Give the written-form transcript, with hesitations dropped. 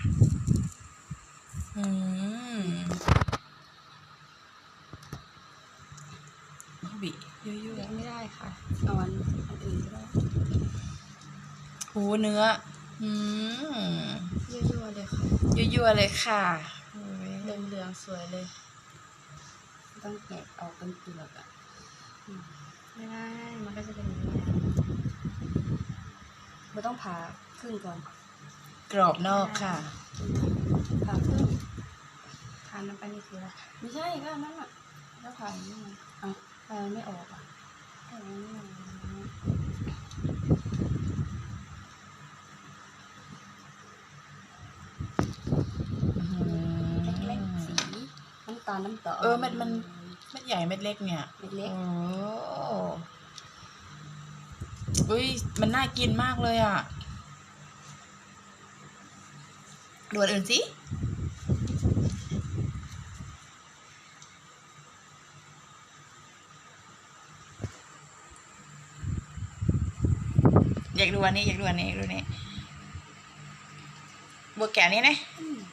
อืมบียั่วยังไม่ได้ค่ะเอาอันอื่นก็ได้ๆหูเนื้อ อืมยั่วๆเลยค่ะยั่วๆเลยค่ะโอ้ยเหลืองๆสวยเลยต้องแกะออกเป็นเปลือกอ่ะไม่ได้มันก็จะเป็นอย่างนี้เราต้องผ่าครึ่งก่อนกรอบนอกค่ะผ่าครึ่งผ่ามันไปนี่คืออะไรไม่ใช่ก็นั่นอ่ะแล้วผ่าอย่างนี้เอาผ่าไม่ออกอ่ะผ่าไม่ออกเล็กๆสีน้ำตาลน้ำตาลเม็ดใหญ่เม็ดเล็กเนี่ยเม็ดเล็กโอ้อุ้ยมันน่ากินมากเลยอ่ะดูอันอื่นสิอยากดูอันนี้บัวแก้วนี้นะ